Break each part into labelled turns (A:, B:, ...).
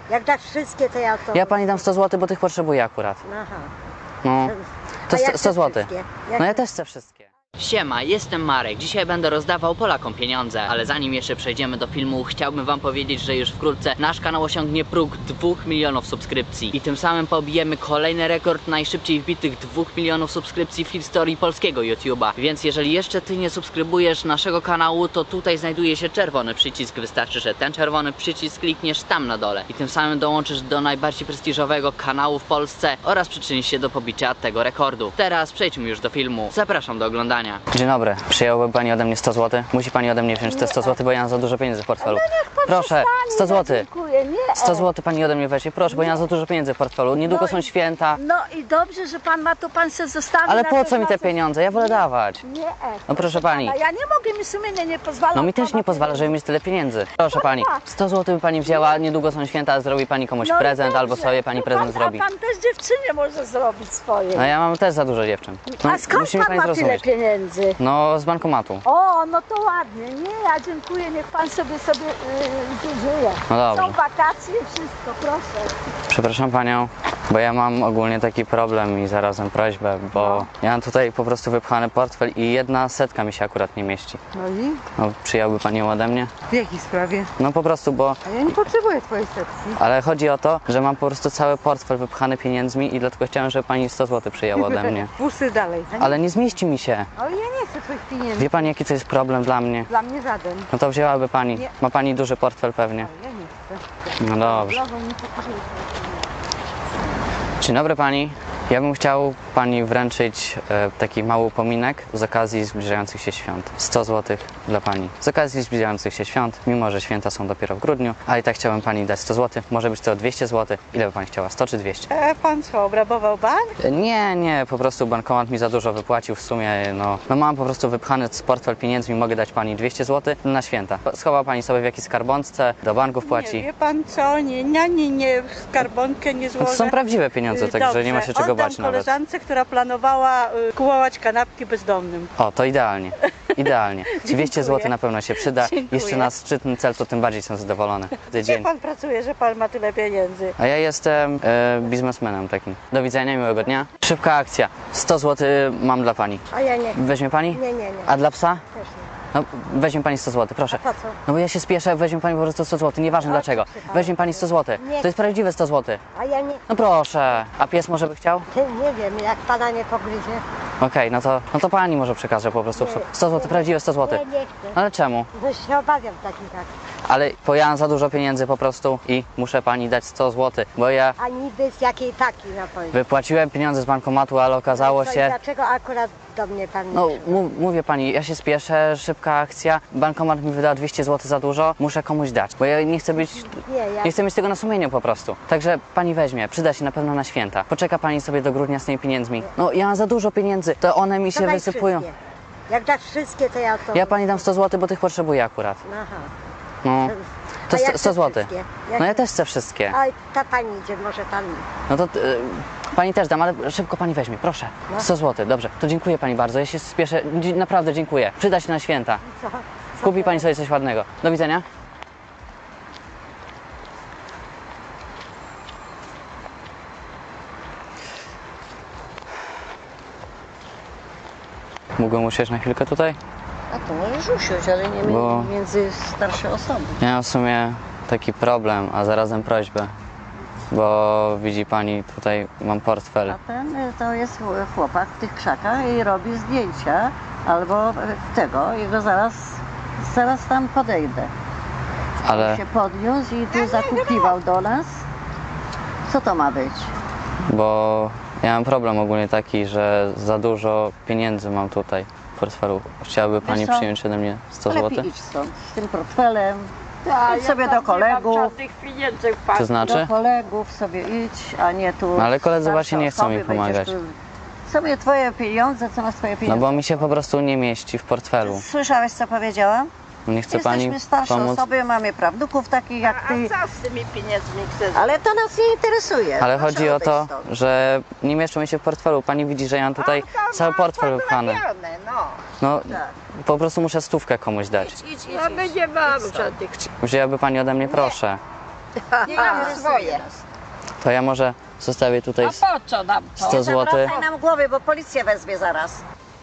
A: Jak dasz wszystkie, to ja to...
B: Ja pani dam 100 zł, bo tych potrzebuję akurat.
A: Aha.
B: No, to
A: A ja
B: 100
A: chcę
B: zł.
A: wszystkie.
B: No ja też chcę wszystkie.
C: Siema, jestem Marek. Dzisiaj będę rozdawał Polakom pieniądze, ale zanim jeszcze przejdziemy do filmu, chciałbym wam powiedzieć, że już wkrótce nasz kanał osiągnie próg 2 milionów subskrypcji i tym samym pobijemy kolejny rekord najszybciej wbitych 2 milionów subskrypcji w historii polskiego YouTube'a. Więc jeżeli jeszcze ty nie subskrybujesz naszego kanału, to tutaj znajduje się czerwony przycisk. Wystarczy, że ten czerwony przycisk klikniesz tam na dole i tym samym dołączysz do najbardziej prestiżowego kanału w Polsce oraz przyczynisz się do pobicia tego rekordu. Teraz przejdźmy już do filmu. Zapraszam do oglądania.
B: Dzień dobry, przyjęłaby pani ode mnie 100 zł? Musi pani ode mnie wziąć te 100 zł, bo ja mam za dużo pieniędzy w portfelu. Proszę, 100 zł.
A: Dziękuję, nie.
B: 100 zł pani ode mnie weźmie, proszę, bo ja mam za dużo pieniędzy w portfelu. Niedługo są święta.
A: No i dobrze, że pan ma, to pan se zostawi.
B: Ale
A: na
B: po
A: to
B: co mi te
A: na coś.
B: pieniądze? Ja wolę dawać.
A: Nie.
B: No proszę pani.
A: Ja nie mogę, mi sumienie nie pozwala.
B: No mi też
A: pana
B: nie pozwala, żeby mieć tyle pieniędzy. Proszę pani, 100 zł by pani wzięła, niedługo są święta, zrobi pani komuś
A: No i
B: prezent
A: dobrze.
B: albo sobie pani
A: No
B: prezent
A: pan,
B: zrobi.
A: A pan też dziewczynie może zrobić swoje.
B: No ja mam też za dużo dziewczyn. No,
A: A skąd
B: musi mi
A: pan
B: pani
A: ma tyle
B: zrozumieć.
A: pieniędzy?
B: No z bankomatu.
A: O, no to ładnie. Nie, ja dziękuję, niech pan sobie żyje.
B: No dobrze.
A: Są wakacje, wszystko, proszę.
B: Przepraszam panią, bo ja mam ogólnie taki problem i zarazem prośbę, bo ja mam tutaj po prostu wypchany portfel i 100 mi się akurat nie mieści.
D: No i
B: No przyjąłby pani ją ode mnie?
D: w jakiej sprawie?
B: No po prostu, bo...
D: A ja nie potrzebuję twojej sekcji.
B: Ale chodzi o to, że mam po prostu cały portfel wypchany pieniędzmi i dlatego chciałem, żeby pani 100 zł przyjęła ode mnie.
D: Puszczę dalej.
B: Ale nie zmieści mi się.
D: Ale ja nie chcę twoich pieniędzy.
B: Wie pani, jaki to jest problem dla mnie?
D: Dla mnie żaden.
B: No to wzięłaby pani.
D: Nie.
B: Ma pani duży portfel pewnie.
D: Ale ja nie chcę.
B: No dobrze.
D: Blogą nie potrzebuję twoich pieniędzy.
B: Dzień dobry pani. Ja bym chciał pani wręczyć taki mały upominek z okazji zbliżających się świąt. 100 zł dla pani. Z okazji zbliżających się świąt, mimo że święta są dopiero w grudniu, ale i tak chciałbym pani dać 100 zł. Może być to 200 zł. Ile by pani chciała? 100 czy 200?
D: Pan co, obrabował bank?
B: Nie, po prostu bankomat mi za dużo wypłacił w sumie, no mam po prostu wypchany portfel pieniędzmi, mogę dać pani 200 zł na święta. Schowa pani sobie w jakiejś skarbonce, do banku
D: Nie,
B: wpłaci.
D: wie pan co, nie, w skarbonkę nie
B: No
D: złożę.
B: to są prawdziwe pieniądze, także nie ma się czego
D: Oddam
B: bać nawet.
D: koleżance, która planowała kupować kanapki bezdomnym.
B: O, to idealnie, idealnie. 200 zł na pewno się przyda.
D: Dziękuję.
B: Jeszcze na szczytny cel, to tym bardziej jestem zadowolony.
D: Gdzie pan pracuje, że pan ma tyle pieniędzy?
B: A ja jestem biznesmenem takim. Do widzenia, miłego dnia. Szybka akcja. 100 zł mam dla pani.
A: A ja nie.
B: Weźmie pani?
A: Nie.
B: A dla psa?
A: Też nie.
B: No, weźmie pani 100 zł, proszę.
A: Po co?
B: No bo ja się spieszę, weźmie pani po prostu 100 zł, nieważne dlaczego. Weźmie pani 100 zł.
A: Nie.
B: To jest prawdziwe 100 zł.
A: A ja nie.
B: No proszę. A pies może by chciał?
A: Nie wiem, jak pana nie pogryzie.
B: Okej, no to pani może przekaże po prostu 100 zł, prawdziwe 100 zł.
A: Nie chcę.
B: Ale czemu?
A: No się obawiam takich akcji.
B: Ale bo ja mam za dużo pieniędzy po prostu i muszę pani dać 100 zł, bo ja
A: A niby z jakiej takiej na pewno.
B: wypłaciłem pieniądze z bankomatu, ale okazało
A: No i
B: się...
A: dlaczego akurat do mnie pan nie
B: No
A: przyszedł?
B: mówię pani, ja się spieszę, szybka akcja, bankomat mi wyda 200 zł za dużo, muszę komuś dać, bo ja nie chcę być...
A: ja...
B: Nie chcę mieć tego na sumieniu po prostu. Także pani weźmie, przyda się na pewno na święta. Poczeka pani sobie do grudnia z tymi pieniędzmi. No ja mam za dużo pieniędzy, to one mi
A: To
B: się
A: daj
B: wysypują.
A: wszystkie. Jak dasz wszystkie, to ja to...
B: Ja pani dam 100 zł, bo tych potrzebuję akurat.
A: Aha.
B: No, to
A: A ja
B: 100
A: chcę
B: zł.
A: wszystkie.
B: No ja też chcę wszystkie.
A: A ta pani idzie, może tam...
B: No to pani też dam, ale szybko pani weźmie, proszę. 100 zł, dobrze. To dziękuję pani bardzo, ja się spieszę, naprawdę dziękuję. Przyda się na święta.
A: Co?
B: Kupi pani sobie coś ładnego. Do widzenia. Mógłbym usiąść na chwilkę tutaj?
A: A to możesz usiąść, ale nie
B: Bo-
A: między starsze osoby.
B: Ja mam w sumie taki problem, a zarazem prośbę. Bo widzi pani, tutaj mam portfel.
E: A ten to jest chłopak w tych krzakach i robi zdjęcia albo tego, jego zaraz tam podejdę.
B: Ale
E: Się podniósł i tu zakukiwał do nas. Co to ma być?
B: bo ja mam problem ogólnie taki, że za dużo pieniędzy mam tutaj w portfelu. Chciałaby pani
E: Wiesz co?
B: przyjąć ode mnie 100 zł?
E: Lepiej idź stąd z tym portfelem.
A: Tak,
E: Idź sobie do kolegów.
B: To znaczy?
E: Do kolegów sobie idź, a nie tu.
B: No ale koledzy
E: starsze
B: właśnie nie chcą mi
E: osoby, będziesz
B: pomagać.
E: tu- Sobie twoje pieniądze, co masz twoje
B: No
E: pieniądze?
B: bo mi się po prostu nie mieści w portfelu.
E: Słyszałeś, co powiedziałam?
B: Nie chce pani
E: Jesteśmy starsze
B: pomóc?
E: osoby, mamy prawnuków takich jak ty.
D: co z tymi pieniędzmi chcesz?
E: Ale to nas nie interesuje.
B: Ale
E: Proszę
B: chodzi o
E: odejść
B: to,
E: stąd.
B: że nie mieszczą mi się w portfelu. Pani widzi, że ja mam tutaj cały portfel wypchany. No, po prostu muszę 100 komuś dać.
D: No my nie mamy żadnych.
B: Wzięłaby pani ode mnie, proszę.
A: Nie mamy swoje.
B: To ja może zostawię tutaj
A: A po co nam to?
B: 100 zł.
E: Zawracaj nam głowy, bo policja wezwie zaraz.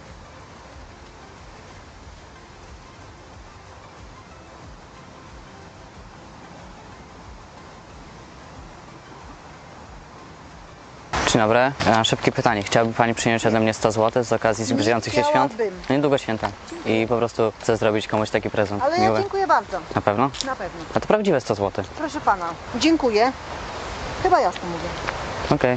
B: Dzień dobry. Szybkie pytanie. Chciałaby Pani przyjąć ode mnie 100 zł z okazji zbliżających się świąt?
A: chciałabym.
B: No niedługo święta. I po prostu chcę zrobić komuś taki prezent
A: Ale ja
B: miły.
A: dziękuję bardzo.
B: Na pewno?
A: Na pewno.
B: A to prawdziwe 100 zł.
A: Proszę pana. Dziękuję. Chyba jasno mówię.
B: Okej.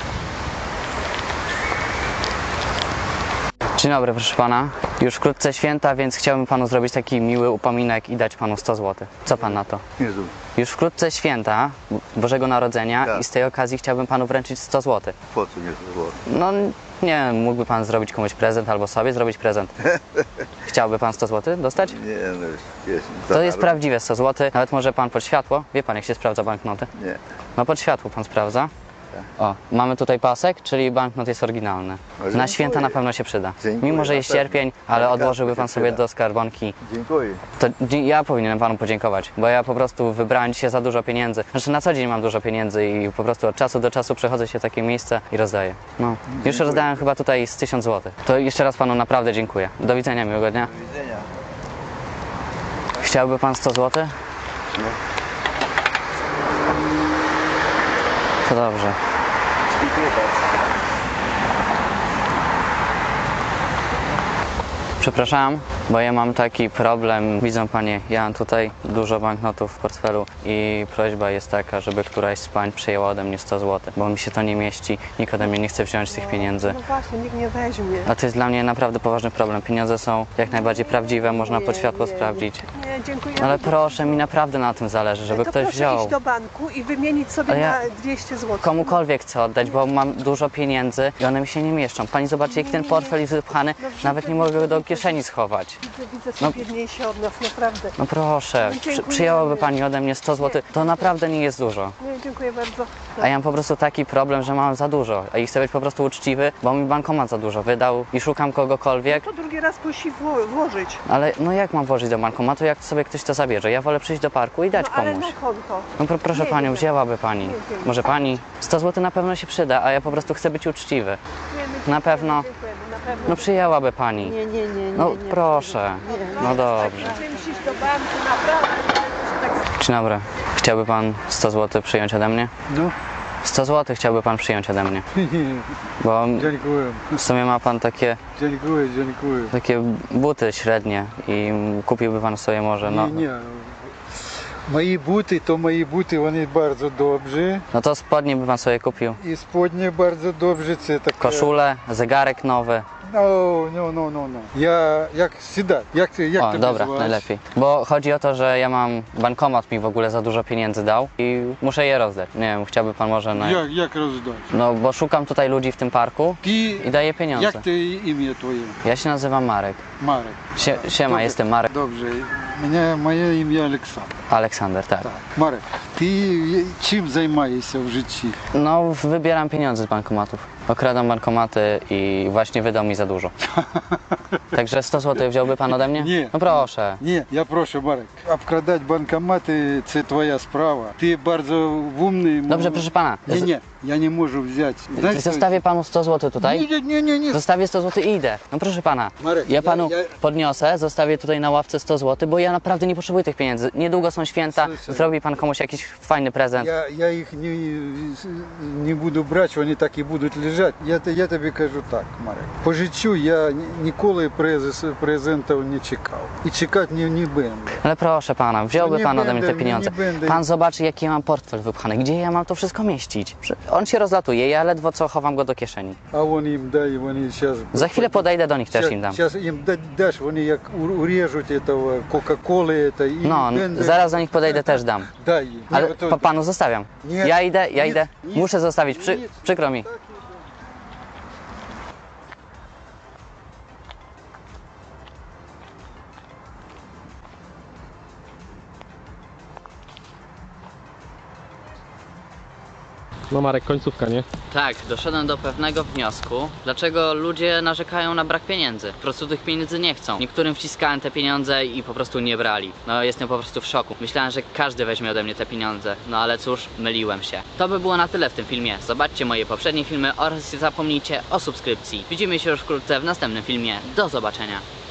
B: Dzień dobry, proszę Pana. Już wkrótce święta, więc chciałbym Panu zrobić taki miły upominek i dać Panu 100 zł. Co Pan na to?
F: Jezu,
B: Już wkrótce święta Bożego Narodzenia
F: Tak.
B: i z tej okazji chciałbym Panu wręczyć 100 zł.
F: po co nie było?
B: No nie wiem, mógłby Pan zrobić komuś prezent albo sobie zrobić prezent. Chciałby Pan 100 zł dostać?
F: Nie, no jest.
B: To jest prawdziwe 100 zł. Nawet może Pan pod światło. Wie Pan, jak się sprawdza banknoty?
F: Nie.
B: No pod światło Pan sprawdza. O, mamy tutaj pasek, czyli banknot jest oryginalny. Na
F: dziękuję.
B: święta na pewno się przyda.
F: Dziękuję,
B: Mimo, że
F: na
B: jest
F: pewno.
B: sierpień, ale
F: Elegancko
B: odłożyłby
F: się
B: Pan sobie
F: przyda.
B: do skarbonki.
F: Dziękuję.
B: To ja powinienem Panu podziękować, bo ja po prostu wybrałem dzisiaj za dużo pieniędzy. Znaczy na co dzień mam dużo pieniędzy i po prostu od czasu do czasu przechodzę się w takie miejsce i rozdaję. No, już rozdałem chyba tutaj z 1000 zł. To jeszcze raz Panu naprawdę dziękuję. Do widzenia, miłego dnia.
F: Do widzenia.
B: Chciałby Pan 100 zł?
F: No.
B: To dobrze.
F: Dziękuję bardzo.
B: Przepraszam, bo ja mam taki problem. Widzą Panie, ja mam tutaj dużo banknotów w portfelu i prośba jest taka, żeby któraś z Pań przyjęła ode mnie 100 zł, bo mi się to nie mieści, nikt ode mnie nie chce wziąć tych pieniędzy.
D: No właśnie, nikt nie weźmie.
B: A to jest dla mnie naprawdę poważny problem. Pieniądze są jak najbardziej prawdziwe, można pod światło sprawdzić.
D: Nie, dziękuję.
B: Ale proszę, mi naprawdę na tym zależy, żeby
D: to
B: ktoś
D: proszę
B: wziął.
D: iść do banku i wymienić sobie
B: Ale ja
D: na 200 zł.
B: Komukolwiek chcę oddać, bo mam dużo pieniędzy i one mi się nie mieszczą. Pani zobaczy, jak ten portfel jest wypchany, nawet nie mogę go do kieszeni schować.
D: Widzę, są biedniejsi od nas, naprawdę.
B: No proszę,
D: No dziękuję.
B: przyjęłaby Pani ode mnie 100 zł, to naprawdę nie jest dużo.
D: Nie, dziękuję bardzo.
B: A ja mam po prostu taki problem, że mam za dużo i chcę być po prostu uczciwy, bo mi bankomat za dużo wydał i szukam kogokolwiek,
D: To drugi raz musi włożyć.
B: ale no jak mam włożyć do bankomatu, jak sobie ktoś to zabierze? Ja wolę przyjść do parku i dać
D: No ale
B: komuś.
D: na konto.
B: No proszę
D: Nie,
B: Panią,
D: nie.
B: wzięłaby Pani.
D: Nie, nie.
B: Może Pani? 100 zł na pewno się przyda, a ja po prostu chcę być uczciwy.
D: Nie, my
B: Na
D: dziękujemy,
B: pewno.
D: dziękujemy, na pewno.
B: No przyjęłaby Pani.
E: Nie, nie, nie, nie.
B: No
E: nie.
B: proszę. No dobrze.
D: Chcemy iść do banku, naprawdę. Tak
B: Dzień dobry. Chciałby Pan 100 zł przyjąć ode mnie?
G: No,
B: 100 zł chciałby Pan przyjąć ode mnie. Bo
G: dziękuję,
B: w sumie ma Pan takie
G: dziękuję.
B: buty średnie i kupiłby Pan sobie może, no.
G: Nie. Moje buty, one bardzo dobrze
B: No to spodnie by Pan sobie kupił.
G: i spodnie bardzo dobrze, це таке.
B: Koszulę, zegarek nowy.
G: No. Jak сідати? Jak
B: O,
G: ty
B: dobra,
G: nazywasz?
B: najlepiej. Bo chodzi o to, że ja mam, bankomat mi w ogóle za dużo pieniędzy dał i muszę je rozdać. Nie wiem, chciałby Pan może na...
G: Jak rozdać?
B: No bo szukam tutaj ludzi w tym parku
G: Ty,
B: i daję pieniądze.
G: jak ty imię twoje?
B: Ja się nazywam Marek.
G: Marek.
B: Siema,
G: Dobrze.
B: jestem Marek.
G: Dobrze, moje imię Aleksander.
B: Aleksander, tak.
G: Tak. Marek, ty czym zajmujesz w życiu?
B: No, wybieram pieniądze z bankomatów. Okradam bankomaty i właśnie wydał mi za dużo. Także 100 zł wziąłby Pan ode mnie?
G: Nie.
B: No proszę.
G: Nie, ja proszę Marek, obkradać bankomaty, це twoja sprawa. Ty bardzo umny.
B: Dobrze, proszę Pana.
G: Nie, ja nie mogę wziąć. Znasz,
B: Zostawię Panu 100 zł tutaj.
G: Nie.
B: Zostawię 100 zł i idę. No proszę Pana,
G: Marek,
B: ja Panu
G: ja-
B: podniosę, zostawię tutaj na ławce 100 zł, bo ja naprawdę nie potrzebuję tych pieniędzy. Niedługo są święta,
G: Słyszę.
B: zrobi Pan komuś jakiś fajny prezent.
G: Я їх не буду брати, вони так і будуть лежати. Я тобі кажу так, Марek. По життю я ніколи презентів не чекав. І чекати не będę.
B: Ale proszę Pana, wziąłby
G: nie
B: Pan ode mnie te
G: będę,
B: pieniądze.
G: nie będę.
B: Pan zobaczy, jaki ja mam portfel wypchany, gdzie ja mam to wszystko mieścić. On się rozlatuje, ja ledwo co chowam go do kieszeni.
G: А вони їм дай, вони зараз...
B: Za chwilę podejdę do nich, też im dam.
G: Зараз їм даш, вони як урежуть этого Кока-Коли, это, і
B: No, zaraz do nich podejdę, też dam.
G: Дай їм.
B: Ale
G: Nie, to-
B: Panu zostawiam.
G: Nie,
B: Ja idę.
G: nic,
B: Muszę zostawić,
G: nic.
B: przykro mi.
H: No Marek, końcówka, nie?
C: Tak, doszedłem do pewnego wniosku, dlaczego ludzie narzekają na brak pieniędzy. Po prostu tych pieniędzy nie chcą. Niektórym wciskałem te pieniądze i po prostu nie brali. No jestem po prostu w szoku. Myślałem, że każdy weźmie ode mnie te pieniądze. No ale cóż, myliłem się. To by było na tyle w tym filmie. Zobaczcie moje poprzednie filmy oraz nie zapomnijcie o subskrypcji. Widzimy się już wkrótce w następnym filmie. Do zobaczenia.